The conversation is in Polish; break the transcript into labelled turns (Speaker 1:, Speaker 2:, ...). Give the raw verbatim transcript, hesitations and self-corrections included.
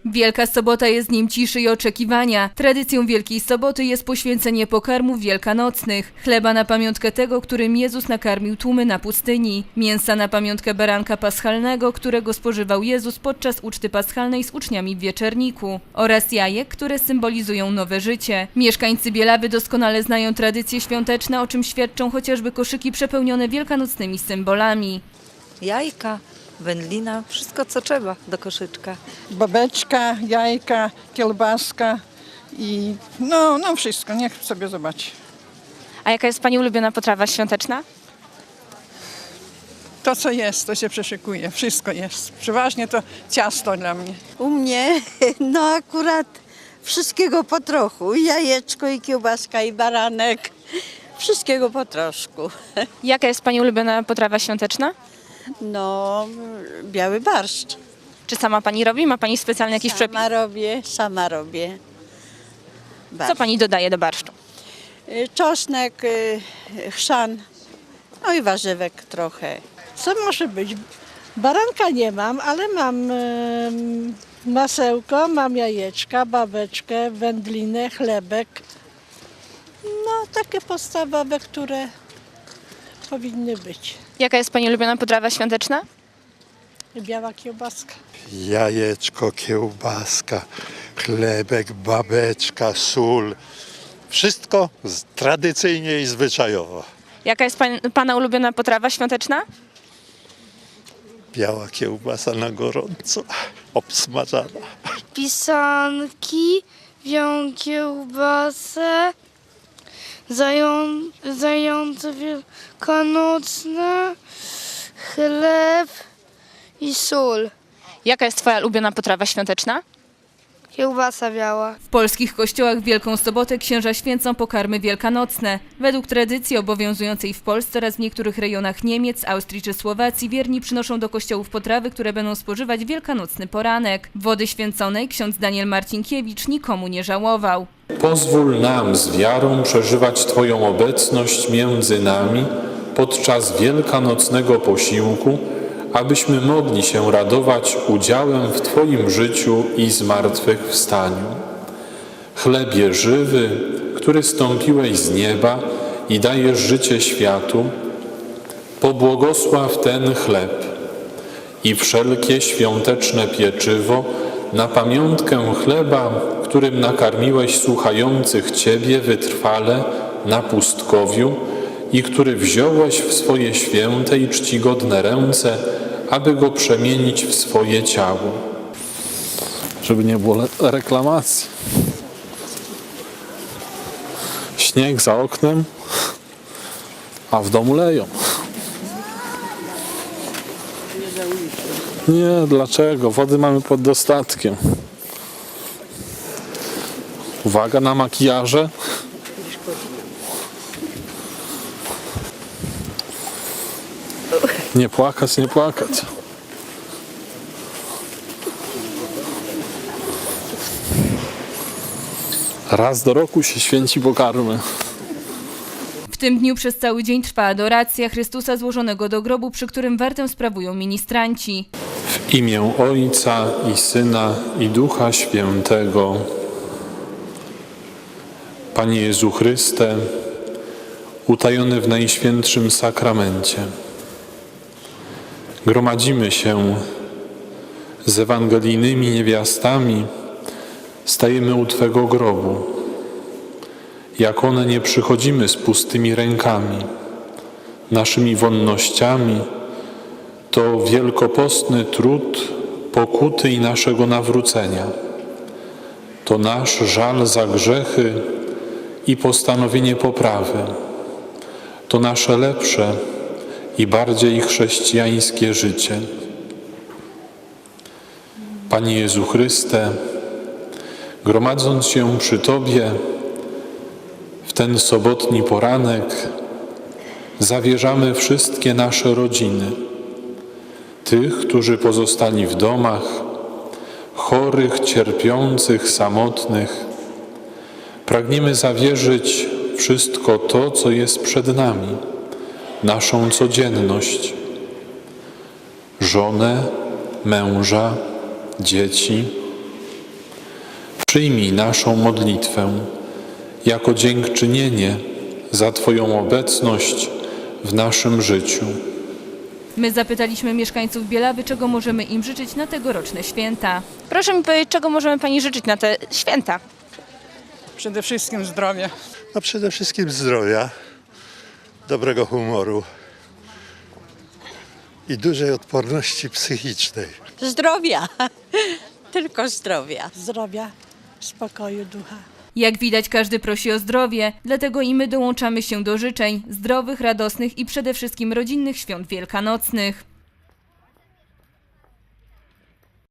Speaker 1: Wielka Sobota jest dniem ciszy i oczekiwania. Tradycją Wielkiej Soboty jest poświęcenie pokarmów wielkanocnych. Chleba na pamiątkę tego, którym Jezus nakarmił tłumy na pustyni. Mięsa na pamiątkę baranka paschalnego, którego spożywał Jezus podczas uczty paschalnej z uczniami w Wieczerniku. Oraz jajek, które symbolizują nowe życie. Mieszkańcy Bielawy doskonale znają tradycje świąteczne, o czym świadczą chociażby koszyki przepełnione wielkanocnymi symbolami.
Speaker 2: Jajka, wędlina, wszystko co trzeba do koszyczka.
Speaker 3: Babeczka, jajka, kiełbaska i no, no wszystko, niech sobie zobaczy.
Speaker 4: A jaka jest Pani ulubiona potrawa świąteczna?
Speaker 3: To co jest, to się przeszykuje, wszystko jest. Przeważnie to ciasto dla mnie.
Speaker 5: U mnie no akurat wszystkiego po trochu. I jajeczko, i kiełbaska, i baranek. Wszystkiego po troszku.
Speaker 4: Jaka jest Pani ulubiona potrawa świąteczna?
Speaker 5: No, biały barszcz.
Speaker 4: Czy sama Pani robi? Ma Pani specjalny jakiś przepis?
Speaker 5: Sama robię, sama robię.
Speaker 4: Co Pani dodaje do barszczu?
Speaker 5: Y, Czosnek, y, chrzan, no i warzywek trochę.
Speaker 6: Co może być? Baranka nie mam, ale mam y, masełko, mam jajeczka, babeczkę, wędlinę, chlebek. No takie podstawowe, które powinny być.
Speaker 4: Jaka jest Pani ulubiona potrawa świąteczna?
Speaker 6: Biała kiełbaska.
Speaker 7: Jajeczko, kiełbaska, chlebek, babeczka, sól. Wszystko z- tradycyjnie i zwyczajowo.
Speaker 4: Jaka jest pan, Pana ulubiona potrawa świąteczna?
Speaker 7: Biała kiełbasa na gorąco, obsmażana.
Speaker 8: Pisanki, białą kiełbasę, zają, zające wielkanocne, chleb i sól.
Speaker 4: Jaka jest Twoja ulubiona potrawa świąteczna?
Speaker 8: Kiełbasa biała.
Speaker 1: W polskich kościołach w Wielką Sobotę księża święcą pokarmy wielkanocne. Według tradycji obowiązującej w Polsce oraz w niektórych rejonach Niemiec, Austrii czy Słowacji wierni przynoszą do kościołów potrawy, które będą spożywać w wielkanocny poranek. Wody święconej ksiądz Daniel Marcinkiewicz nikomu nie żałował.
Speaker 9: Pozwól nam z wiarą przeżywać Twoją obecność między nami podczas wielkanocnego posiłku, abyśmy mogli się radować udziałem w Twoim życiu i zmartwychwstaniu. Chlebie żywy, który stąpiłeś z nieba i dajesz życie światu, pobłogosław ten chleb i wszelkie świąteczne pieczywo na pamiątkę chleba, którym nakarmiłeś słuchających Ciebie wytrwale na pustkowiu i który wziąłeś w swoje święte i czcigodne ręce, aby go przemienić w swoje ciało.
Speaker 10: Żeby nie było le- reklamacji. Śnieg za oknem, a w domu leją. Nie, dlaczego? Wody mamy pod dostatkiem. Uwaga na makijaże. Nie płakać, nie płakać. Raz do roku się święci pokarmy.
Speaker 1: W tym dniu przez cały dzień trwa adoracja Chrystusa złożonego do grobu, przy którym wartę sprawują ministranci.
Speaker 9: W imię Ojca i Syna i Ducha Świętego. Panie Jezu Chryste, utajony w Najświętszym Sakramencie, gromadzimy się z ewangelijnymi niewiastami, stajemy u Twego grobu. Jak one nie przychodzimy z pustymi rękami, naszymi wonnościami, to wielkopostny trud pokuty i naszego nawrócenia. To nasz żal za grzechy i postanowienie poprawy. To nasze lepsze i bardziej chrześcijańskie życie. Panie Jezu Chryste, gromadząc się przy Tobie w ten sobotni poranek, zawierzamy wszystkie nasze rodziny, tych, którzy pozostali w domach, chorych, cierpiących, samotnych. Pragniemy zawierzyć wszystko to, co jest przed nami, naszą codzienność, żonę, męża, dzieci, Przyjmij naszą modlitwę jako dziękczynienie za Twoją obecność w naszym życiu.
Speaker 1: My zapytaliśmy mieszkańców Bielawy, czego możemy im życzyć na tegoroczne święta.
Speaker 4: Proszę mi powiedzieć, czego możemy pani życzyć na te święta?
Speaker 3: Przede wszystkim zdrowia.
Speaker 7: A przede wszystkim zdrowia, dobrego humoru i dużej odporności psychicznej.
Speaker 5: Zdrowia, tylko zdrowia.
Speaker 6: Zdrowia, spokoju ducha.
Speaker 1: Jak widać, każdy prosi o zdrowie, dlatego i my dołączamy się do życzeń zdrowych, radosnych i przede wszystkim rodzinnych świąt wielkanocnych.